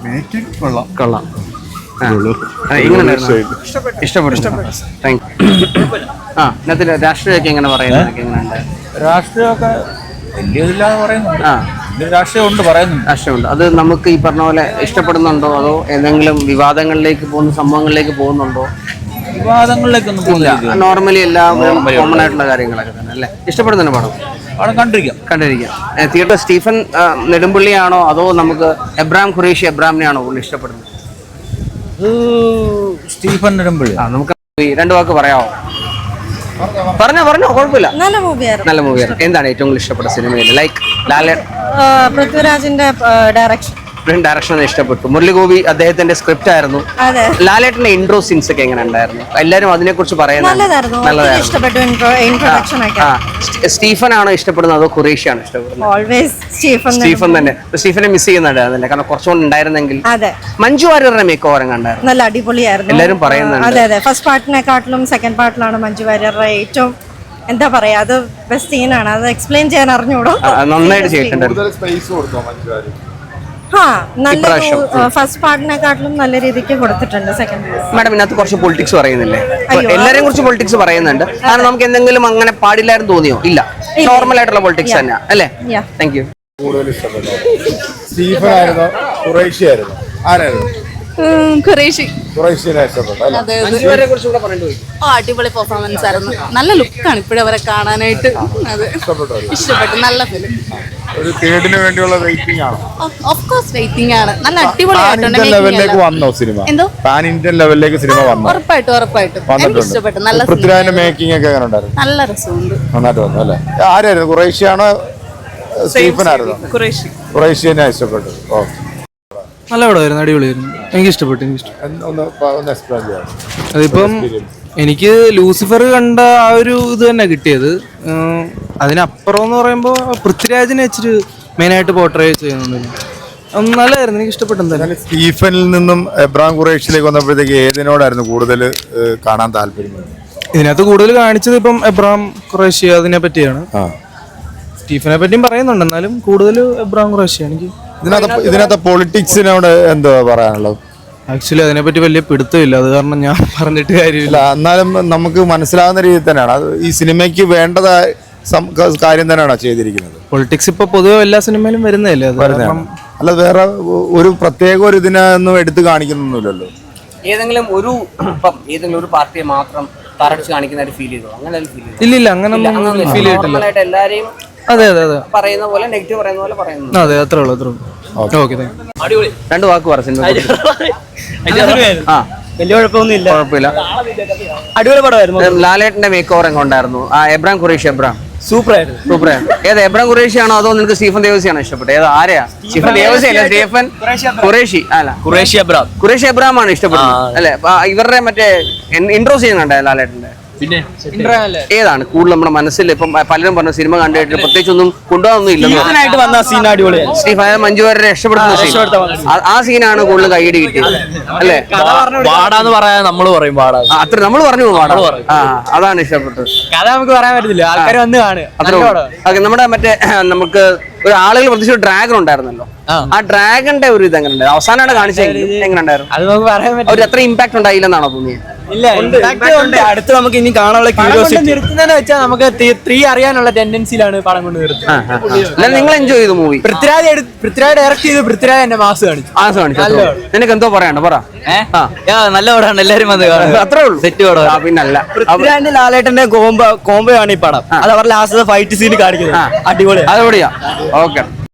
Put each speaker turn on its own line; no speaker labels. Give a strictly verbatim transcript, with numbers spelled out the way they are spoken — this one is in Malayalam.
മേക്കിംഗ് കൊള്ളാം
കൊള്ളാം. ഇഷ്ടപ്പെട്ടു. Thank you. ആ ഇതിനകത്ത് രാഷ്ട്രീയമൊക്കെ എങ്ങനെ പറയുന്നത് എങ്ങനെയുണ്ട്?
രാഷ്ട്രീയമൊക്കെ വലിയ ഇതില്ലാന്ന് പറയുന്നുണ്ട്.
ആ
രാഷ്ട്രീയം ഉണ്ട് പറയുന്നുണ്ട്.
രാഷ്ട്രീയമുണ്ട്. അത് നമുക്ക് ഈ പറഞ്ഞ പോലെ ഇഷ്ടപ്പെടുന്നുണ്ടോ അതോ ഏതെങ്കിലും വിവാദങ്ങളിലേക്ക് പോകുന്ന സംഭവങ്ങളിലേക്ക് പോകുന്നുണ്ടോ?
വിവാദങ്ങളിലേക്കൊന്നും പോകുന്നില്ല.
നോർമലി എല്ലാവരും കോമൺ ആയിട്ടുള്ള കാര്യങ്ങളൊക്കെ തന്നെ അല്ലേ? ഇഷ്ടപ്പെടുന്നുണ്ട് പടം?
അവിടെ കണ്ടിരിക്കാം
കണ്ടിരിക്കാം. തിയേറ്റർ സ്റ്റീഫൻ നെടുമ്പള്ളിയാണോ അതോ നമുക്ക് എബ്രാം ഖുറേഷി എബ്രാമിനെയാണോ കൂടുതൽ ഇഷ്ടപ്പെടുന്നത്?
സ്റ്റീഫൻ നെടുമ്പള്ളി.
ആ നമുക്ക് രണ്ടു വാക്ക് പറയാമോ? പറഞ്ഞോ പറഞ്ഞോ കുഴപ്പമില്ല.
നല്ല മൂവിയായിരുന്നു.
നല്ല മൂവിയായിരുന്നു. എന്താണ് ഏറ്റവും കൂടുതൽ ഇഷ്ടപ്പെട്ട സിനിമയിൽ? ലൈക്ക് ലാലേ
പൃഥ്വിരാജിന്റെ ഡയറക്ഷൻ
ഡയറക്ഷൻ ഇഷ്ടപ്പെട്ടു. മുരളിഗോപി അദ്ദേഹത്തിന്റെ സ്ക്രിപ്റ്റ് ആയിരുന്നു. ലാലേട്ടന്റെ ഇൻട്രോ സീൻസ് ഒക്കെ എങ്ങനെ ഉണ്ടായിരുന്നു? എല്ലാരും അതിനെ കുറിച്ച് പറയുന്നത് സ്റ്റീഫൻ ആണോ ഇഷ്ടപ്പെടുന്നത് അതോ ഖുറേഷി ആണോ ഇഷ്ടപ്പെടുന്നത്? സ്റ്റീഫൻ തന്നെ. സ്റ്റീഫനെ മിസ് ചെയ്യുന്നുണ്ടായിരുന്നില്ല, കാരണം കുറച്ചുകൂടെ ഉണ്ടായിരുന്നെങ്കിൽ. മഞ്ജു വാര്യറുടെ മേക്ക് ഓവർ കണ്ടായിരുന്നു,
നല്ല അടിപൊളിയായിരുന്നു.
എല്ലാരും പറയുന്നുണ്ട്.
അതെ അതെ, ഫസ്റ്റ് പാർട്ടിനെക്കാട്ടിലും സെക്കൻഡ് പാർട്ടിലാണ് മഞ്ജു വാര്യറുടെ ഏറ്റവും എന്താ പറയാ, അത് ബെസ്റ്റ് സീനാണ്. അത് എക്സ്പ്ലെയിൻ ചെയ്യാൻ അറിഞ്ഞൂടോ,
നന്നായിട്ട് ചെയ്തിട്ടുണ്ട്.
ഫസ്റ്റ് പാർട്ടിനെക്കാട്ടിലും നല്ല രീതിക്ക് കൊടുത്തിട്ടുണ്ട് സെക്കൻഡ്.
മാഡം ഇതിനകത്ത് കുറച്ച് പൊളിറ്റിക്സ് പറയുന്നില്ലേ? എല്ലാരെയും കുറിച്ച് പൊളിറ്റിക്സ് പറയുന്നുണ്ട്. കാരണം നമുക്ക് എന്തെങ്കിലും അങ്ങനെ പാടില്ലായിരുന്നു തോന്നിയോ? ഇല്ല, നോർമൽ ആയിട്ടുള്ള പൊളിറ്റിക്സ് തന്നെ അല്ലേ? Thank you.
കൂടുതൽ ഇഷ്ടപ്പെട്ടു സ്റ്റീഫൻ ആയിരുന്നോ ഖുറേഷി ആയിരുന്നോ? ആരായിരുന്നു?
ഖുറേഷി.
ഖുറേഷിനെ ഇഷ്ടപ്പെട്ടു.
അടിപൊളി പെർഫോമൻസ് ആയിരുന്നു. നല്ല ലുക്കാണ് ഇപ്പോഴും അവരെ കാണാനായിട്ട്. അത് ഇഷ്ടപ്പെട്ടു. നല്ല ഫിലിം.
ഒരു തേർഡിന് വേണ്ടിയുള്ള വെയിറ്റിംഗ് ആണ്.
ഓഫ് കോഴ്സ് വെയിറ്റിംഗ് ആണ്. നല്ല അടിപൊളിയായിട്ടുണ്ട്.
ലെവലിലേക്ക് വന്നോ സിനിമ?
എന്തോ
പാൻ ഇന്ത്യൻ ലെവലിലേക്ക് സിനിമ വന്നു?
ഉറപ്പായിട്ടും ഉറപ്പായിട്ടും എനിക്ക് ഇഷ്ടപ്പെട്ടു. നല്ല
പൃഥ്വിരാജിന്റെ മേക്കിംഗ് ഒക്കെ എങ്ങനെ ഉണ്ടായിരുന്നു?
നല്ല രസമുണ്ട്.
നന്നായിട്ട് വന്നു അല്ലേ? ആരായിരുന്നു? ഖുറേഷിയാണോ സ്റ്റീഫൻ ആയിരുന്നോ?
ഖുറേഷി.
ഖുറേഷി തന്നെ ഇഷ്ടപ്പെട്ടു. ഓക്കെ,
നല്ല പടമായിരുന്നു, അടിപൊളിയായിരുന്നു. എനിക്ക് ഇഷ്ടപ്പെട്ടു. എനിക്ക് ഇഷ്ടപ്പെട്ടു. അതിപ്പം എനിക്ക് ലൂസിഫർ കണ്ട ആ ഒരു ഇത് തന്നെ കിട്ടിയത്. അതിനപ്പുറം എന്ന് പറയുമ്പോൾ പൃഥ്വിരാജിനെ വെച്ചിട്ട് മെയിനായിട്ട് പോർട്രേ ചെയ്യുന്നുണ്ട്. നല്ലതായിരുന്നു, എനിക്ക് ഇഷ്ടപ്പെട്ടു. എന്തായാലും
സ്റ്റീഫനിൽ നിന്നും എബ്രാം ഖുറേഷിലേക്ക് വന്നപ്പോഴത്തേക്ക് ഏതിനോടായിരുന്നു കൂടുതൽ കാണാൻ താല്പര്യം?
ഇതിനകത്ത് കൂടുതൽ കാണിച്ചത് ഇപ്പം എബ്രാം ഖുറേഷി അതിനെ പറ്റിയാണ്. സ്റ്റീഫനെ പറ്റിയും പറയുന്നുണ്ട്, എന്നാലും കൂടുതൽ എബ്രാം ഖുറേഷിയാണ്. എനിക്ക്
ഇതിനകത്ത് ഇതിനകത്ത് പൊളിറ്റിക്സിനോട് എന്താ പറയാനുള്ളത്?
ആക്ച്വലി അതിനെപ്പറ്റി വലിയ പിടുത്തമില്ല, അത് കാരണം ഞാൻ പറഞ്ഞിട്ട് കാര്യമില്ല.
എന്നാലും നമുക്ക് മനസ്സിലാവുന്ന രീതിയിൽ തന്നെയാണ് അത് ഈ സിനിമയ്ക്ക് വേണ്ടതായ കാര്യം തന്നെയാണോ ചെയ്തിരിക്കുന്നത്?
പൊളിറ്റിക്സ് ഇപ്പൊ പൊതുവെ എല്ലാ സിനിമയിലും വരുന്നതല്ലേ?
അല്ല, വേറെ ഒരു പ്രത്യേക ഒരു ഇതിനൊന്നും എടുത്തു കാണിക്കുന്നൊന്നുമില്ലല്ലോ.
ഏതെങ്കിലും ഒരു ഏതെങ്കിലും ഒരു പാർട്ടിയെ മാത്രം തറച്ച് കാണിക്കുന്ന ഫീൽ ചെയ്തോ? അങ്ങനെ
ഇല്ല ഇല്ല, അങ്ങനെ ഫീൽ ചെയ്തിട്ടില്ല.
എല്ലാരെയും
അതെ അതെ അതെ
പറയുന്ന പോലെ നെഗറ്റീവ് പറയുന്ന പോലെ പറയുന്നു.
അതെ, അത്രേ ഉള്ളൂ അത്രേ ഉള്ളൂ. Okay, thank you.
രണ്ട് വാക്ക് പറ. സിനിമ ആ
വലിയ കുഴപ്പമൊന്നുമില്ല,
കുഴപ്പമില്ല.
അടിപൊളി പടമായിരുന്നു.
ലാലേട്ടന്റെ മേക്ക് ഓവർ എങ്ങനെ ഉണ്ടായിരുന്നു? ആ എബ്രാം ഖുറേഷി. എബ്രാം
സൂപ്പർ ആയിരുന്നു.
സൂപ്പർ ആയിരുന്നു. ഏത് എബ്രാം ഖുറേഷിയാണോ അതോ നിനക്ക് സ്റ്റീഫൻ ദേവസിയാണോ ഇഷ്ടപ്പെട്ടത്? ഏത് ആരെയാ? സ്റ്റീഫൻ ദേവസി അല്ല, സ്റ്റീഫൻ ഖുറേഷി അല്ല,
ഖുറേഷി എബ്രാം.
ഖുറേഷി എബ്രാം ആണ് ഇഷ്ടപ്പെടുന്നത് അല്ലെ? ഇവരുടെ മറ്റേ ഇൻട്രോ ചെയ്യുന്നുണ്ട് ലാലേട്ടന്റെ.
പിന്നെ
ഏതാണ് കൂടുതൽ നമ്മുടെ മനസ്സിൽ? ഇപ്പം പലരും പറഞ്ഞ സിനിമ കണ്ടിട്ട് പ്രത്യേകിച്ച് ഒന്നും കൊണ്ടുപോകാനൊന്നും ഇല്ലെന്ന്
വന്ന സീൻ അടിപൊളിയാണ്.
സ്റ്റീഫൻ മഞ്ജു വാര്യരെ രക്ഷപ്പെടുത്തുന്ന സീൻ, ആ സീനാണ് കൂടുതൽ കൈയടി കിട്ടിയത് അല്ലേ?
പാടാന്ന് പറയാൻ നമ്മൾ പറയും പാടാ,
അത്ര നമ്മൾ പറഞ്ഞു പാടാ. ആ അതാണ് ഇഷ്ടപ്പെട്ടത്.
കഥ നമുക്ക് പറയാൻ പറ്റത്തില്ല, ആൾക്കാർ വന്ന് കാണുക.
അത്ര നമ്മുടെ മറ്റേ നമുക്ക് ഒരു ആളുകൾ പ്രത്യേകിച്ച് ഡ്രാഗൺ ഉണ്ടായിരുന്നല്ലോ, ആ ഡ്രാഗന്റെ ഒരു ഇത് എങ്ങനെ ഉണ്ടായിരുന്നു? അവസാനമാണ് കാണിച്ചെങ്കിൽ എങ്ങനെ ഉണ്ടായിരുന്നു?
അത് നമുക്ക് പറയാൻ പറ്റില്ല.
ഒരു അത്ര ഇമ്പാക്ട് ഉണ്ടായില്ലെന്നാണോ തോന്നിയത്?
ഇല്ല, അടുത്ത് നമുക്ക് ഇനി കാണാനുള്ള ക്യൂരിയോസിറ്റി നിർത്തുന്നതെന്ന് വെച്ചാൽ നമുക്ക് ത്രീ അറിയാനുള്ള ടെൻഡൻസിയിലാണ് പടം കൊണ്ട് നിർത്തുന്നത്.
നിങ്ങൾ എൻജോയ് ചെയ്തു മൂവി?
പൃഥ്വിരാജ് പൃഥ്വിരാജ് ഡയറക്ട് ചെയ്ത് പൃഥ്വിരാജ് എന്റെ മാസ് കാണിച്ചു.
മാസ് കാണിച്ചു. നിനക്ക് എന്തോ പറയാണ്ട് പറ.
നല്ല പടമാണ്, എല്ലാരും വന്ന് കാണും.
അത്രേ ഉള്ളൂ,
സെറ്റ് പടം.
പിന്നല്ല,
പൃഥ്വിരാജിന്റെ ലാലേട്ടന്റെ കോംബോ കോംബോ ആണ് ഈ പടം. അത് അവരുടെ ലാസ്റ്റ് ഫൈറ്റ് സീൻ കാണിക്കുന്നത്. അടിപൊളി,
അടിപൊളിയാ. ഓക്കെ.